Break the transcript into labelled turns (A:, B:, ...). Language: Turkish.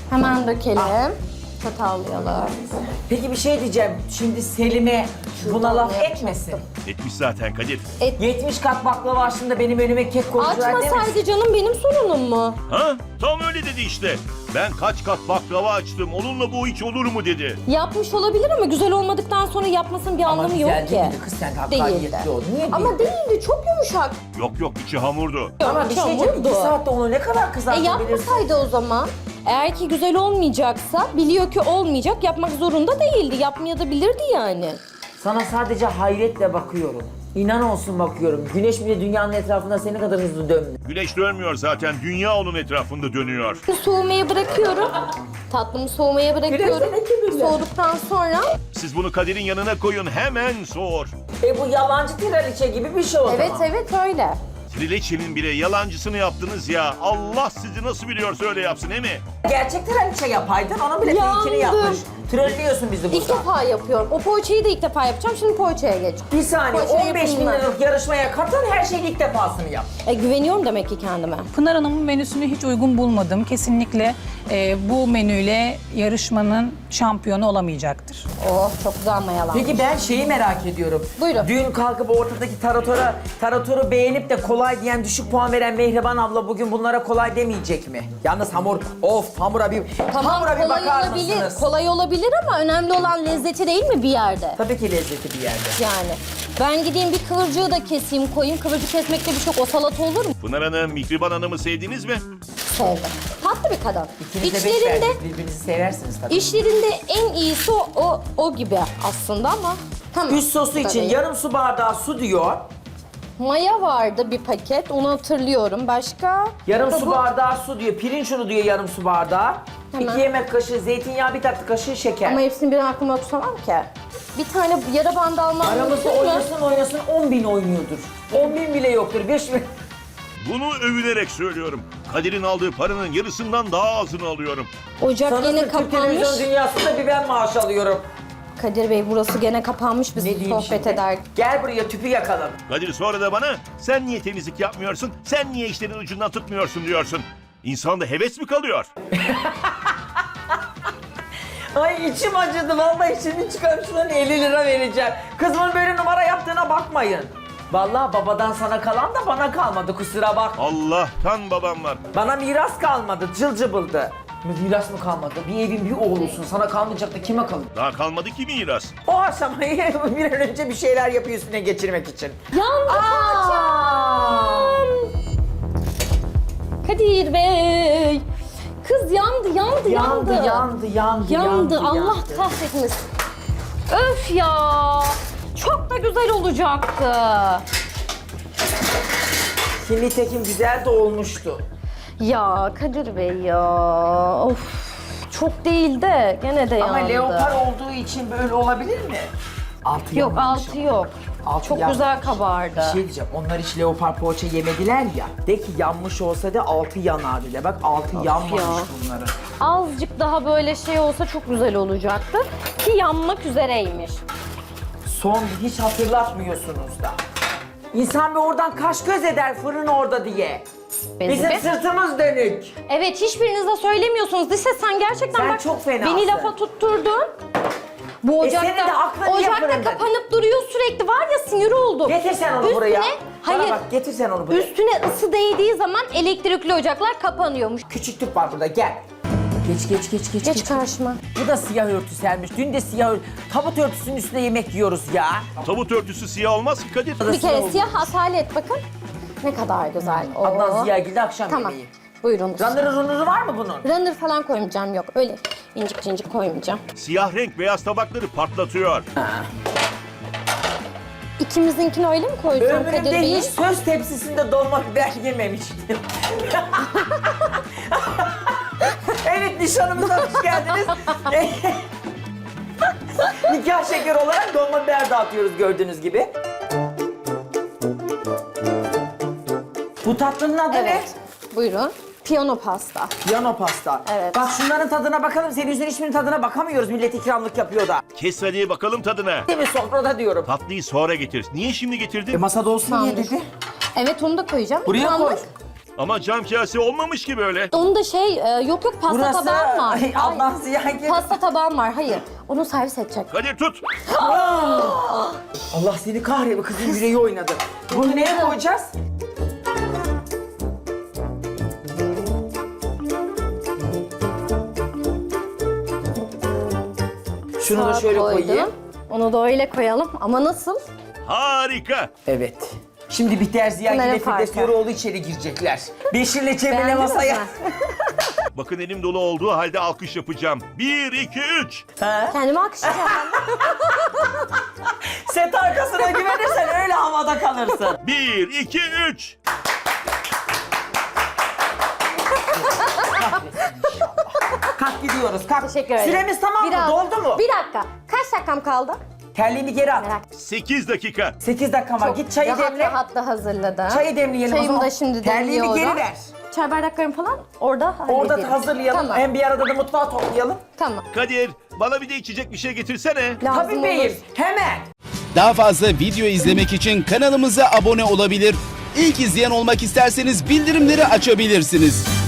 A: Hemen dökelim. Çatallayalım.
B: Peki bir şey diyeceğim. Şimdi Selim'e buna laf
A: yapacaktım.
B: etmesin.
C: Etmiş zaten Kadir.
B: 70 kat baklava aslında benim önüme kek koydular demesin.
A: Açmasaydı canım benim sorunum mu?
C: Ha? Tam öyle dedi işte. Ben kaç kat baklava açtım. Onunla bu hiç olur mu dedi.
A: Yapmış olabilir ama güzel olmadıktan sonra yapmasının bir anlamı yok
B: güzel
A: ki.
B: değildi kız, sen hakkaniyetli ol. Niye
A: Ama değildi, çok yumuşak.
C: Yok içi hamurdu.
B: Ama bir şey diyeceğim. 2 saatte onu ne kadar kızartabilirsin?
A: Yapmasaydı o zaman. Eğer ki güzel olmayacaksa, biliyor ki olmayacak, yapmak zorunda değildi. Yapmayabilirdi yani.
B: Sana sadece hayretle bakıyorum. İnan olsun bakıyorum. Güneş bile dünyanın etrafında senin kadar hızlı dönmüyor.
C: Güneş dönmüyor zaten. Dünya onun etrafında dönüyor.
A: Soğumaya bırakıyorum. Tatlımı soğumaya bırakıyorum.
B: Biraz da ne
A: Soğuduktan sonra...
C: Siz bunu Kadir'in yanına koyun. Hemen soğur.
B: Bu yalancı tiraliçe gibi bir şey o
A: Evet
B: zaman.
A: evet öyle.
C: Trileçenin bile yalancısını yaptınız ya. Allah sizi nasıl biliyorsa öyle yapsın, değil mi?
B: Gerçek tiraliçe yapaydın, onun bile
A: Yandım.
B: fake'ini yapmış. Trollüyorsun bizi
A: İlk
B: burada.
A: defa yapıyorum. O poğaçayı da ilk defa yapacağım. Şimdi poğaçaya geç.
B: Bir saniye,
A: Poğaça
B: 15 bin
A: yapımına.
B: liralık yarışmaya katıl, her şeyin ilk defasını yap.
A: Güveniyorum demek ki kendime.
D: Pınar Hanım'ın menüsünü hiç uygun bulmadım. Kesinlikle bu menüyle yarışmanın şampiyonu olamayacaktır.
A: Oh çok güzel mayalanmış.
B: Peki ben şeyi merak ediyorum.
A: Buyurun.
B: Dün kalkıp ortadaki taratoru beğenip de kolay diyen, düşük puan veren Mehriban abla bugün bunlara kolay demeyecek mi? Yalnız hamura bir
A: Tamam
B: hamura bir
A: kolay
B: bakar
A: olabilir.
B: mısınız?
A: Kolay olabilir ama önemli olan lezzeti değil mi bir yerde?
B: Tabii ki lezzeti bir yerde.
A: Yani. Ben gideyim bir kıvırcığı da keseyim koyayım. Kıvırcık kesmekte bir çok o salata olur mu?
C: Pınar Hanım, Mihriban Hanım'ı sevdiniz mi?
A: Sevdim. Tatlı bir kadın.
B: İkiniz de beş
A: İçlerinde,
B: verdiniz, birbirinizi seversiniz tabii.
A: işlerinde en iyisi o gibi aslında ama tamam.
B: Üst sosu
A: Bu da
B: için
A: değil.
B: yarım su bardağı su diyor.
A: Maya vardı bir paket, onu hatırlıyorum. Başka?
B: Yarım su
A: Bu-
B: bardağı su diyor. Pirinç unu diyor yarım su bardağı.
A: Hemen.
B: 2 yemek kaşığı zeytinyağı, 1 tatlı kaşığı şeker.
A: Ama hepsini birden aklıma tutamam ki. Bir tane yara bandı almam
B: Aramızda
A: mümkün mü?
B: oynasın 10 bin oynuyordur. 10 bin bile yoktur. 5 bin.
C: Bunu övünerek söylüyorum. Kadir'in aldığı paranın yarısından daha azını alıyorum.
A: Ocak
B: Sanırsın
A: yine
B: Türk
A: kapanmış.
B: televizyon dünyasında bir ben maaş alıyorum.
A: Kadir Bey burası gene kapanmış biz
B: Ne diyeyim
A: sohbet
B: şimdi?
A: eder.
B: Gel buraya tüpü yakalım.
C: Kadir sonra da bana sen niye temizlik yapmıyorsun, sen niye işlerin ucundan tutmuyorsun diyorsun. İnsanda heves mi kalıyor?
B: Ay içim acıdı vallahi, şimdi çıkarıp şundan 50 lira vereceğim. Kızımın böyle numara yaptığına bakmayın. Vallahi babadan sana kalan da bana kalmadı, kusura bak.
C: Allah'tan babam var.
B: Bana miras kalmadı, cıl cıbıldı. Miras mı kalmadı? Bir evin bir oğlusun, sana kalmayacak da kime kalır?
C: Daha kalmadı ki miras.
B: O aşamayı bir an önce bir şeyler yapıyor üstüne geçirmek için.
A: Yandı
B: Aa!
A: poğaçam. Kadir Bey. Kız yandı. Yandı. Allah kahretmesin. Öf ya. Çok da güzel olacaktı.
B: Şimdi tekim güzel de olmuştu.
A: Ya Kadir Bey ya. Of. Çok değil de gene de yandı.
B: Ama leopar olduğu için böyle olabilir mi? Altı
A: Yok
B: yanmamış
A: altı
B: ama.
A: yok.
B: Altı
A: Çok
B: yanmamış.
A: güzel kabardı.
B: Bir şey diyeceğim, onlar hiç leopar poğaça yemediler ya. De ki yanmış olsa da altı yanardı de. Bak altı yanmamış
A: ya.
B: bunların.
A: Azıcık daha böyle şey olsa çok güzel olacaktı. Ki yanmak üzereymiş.
B: Son hiç hatırlatmıyorsunuz da. İnsan bir oradan kaş göz eder fırın orada diye. Bizim sırtımız dönük.
A: Evet hiçbiriniz de söylemiyorsunuz. Lise sen gerçekten
B: Sen
A: bak
B: çok fenasın.
A: beni lafa tutturdun. Bu
B: senin de
A: ocakta,
B: aklın niye
A: ocakta
B: fırında?
A: kapanıp duruyor sürekli. Var ya sinir oldum.
B: Getir sen onu
A: Üstüne-
B: buraya.
A: Hayır.
B: Bana bak, getir sen onu buraya.
A: Üstüne ısı değdiği zaman elektrikli ocaklar kapanıyormuş.
B: Küçük tüp var burada, gel. Geç.
A: Geç karşıma.
B: Bu da siyah örtü sermiş. Dün de siyah örtü. Tabut örtüsünün üstünde yemek yiyoruz ya.
C: Tabut örtüsü siyah olmaz ki Kadir.
A: Bir kere siyah asalet bakın. Ne kadar güzel. Oo.
B: Adnan Ziyagil'de akşam
A: Tamam.
B: yemeği.
A: Buyurunuz.
B: Ranırı runuzu var mı bunun?
A: Runner falan koymayacağım yok. Öyle incik cincik koymayacağım.
C: Siyah renk beyaz tabakları patlatıyor.
A: İkimizinkini öyle mi koyacağım Kadir
B: Ömrümde
A: Bey?
B: hiç söz tepsisinde dolma biber yememiştim. Evet, nişanımıza hoş geldiniz. Nikah şekeri olarak dolma biber dağıtıyoruz gördüğünüz gibi. Bu tatlının adı
A: Evet. Buyurun. Piyano pasta.
B: ne? Piyano pasta.
A: Evet.
B: Bak şunların tadına bakalım. Senin yüzünden hiçbirinin tadına bakamıyoruz. Millet ikramlık yapıyor da.
C: Kes hadi bakalım tadına.
B: Değil mi, sofrada diyorum.
C: Tatlıyı sonra getir. Niye şimdi getirdin?
B: Masada olsun diye
A: Tamamdır.
B: dedi.
A: Evet onu da koyacağım.
B: Buraya koy.
A: İkramlık.
C: Ama cam kase olmamış ki böyle.
A: Onun da yok pasta
B: Burası
A: tabağım var.
B: Allah
A: Hayır.
B: ziyan gibi.
A: Pasta tabağım var, hayır. Onu servis edecek.
C: Kadir tut.
B: Allah seni kahretsin, kızın yüreği oynadı. Bunu neye koyacağız? Şunu da
A: Sağa
B: şöyle
A: koydum.
B: koyayım.
A: Onu da öyle koyalım. Ama nasıl?
C: Harika.
B: Evet. Şimdi Bihter Ziya
A: Bunların
B: ile Firdevs
A: farkı.
B: Yoroğlu içeri girecekler. Beşir'le Cemile
A: Beğendiniz
B: masaya.
A: mi?
C: Bakın elim dolu olduğu halde alkış yapacağım. 1, 2, 3.
B: Ha?
A: Kendime alkışlayacağım.
B: Set arkasına güvenirsen öyle havada kalırsın.
C: 1, 2, 3.
B: Kalk gidiyoruz, kalk.
A: Teşekkür ederim.
B: Süremiz tamam mı? Doldu mu?
A: Bir dakika. Kaç dakikam kaldı?
B: Terliğini geri at.
A: Merak
C: 8 dakika.
B: 8 dakika var. Git çayı demle.
A: rahat da hazırladım.
B: Çayı demleyelim o
A: Çayımı
B: zaman.
A: da şimdi
B: Terliğini
A: demliyorum.
B: geri ver.
A: Çay bardaklarım falan orada
B: Orada
A: hallederim.
B: hazırlayalım.
A: Tamam.
B: Hem bir arada da mutfağı toplayalım.
A: Tamam.
C: Kadir bana bir de içecek bir şey getirsene.
A: Lazım
B: Tabii beyim.
A: olur.
B: Hemen.
E: Daha fazla video izlemek için kanalımıza abone olabilir. İlk izleyen olmak isterseniz bildirimleri açabilirsiniz.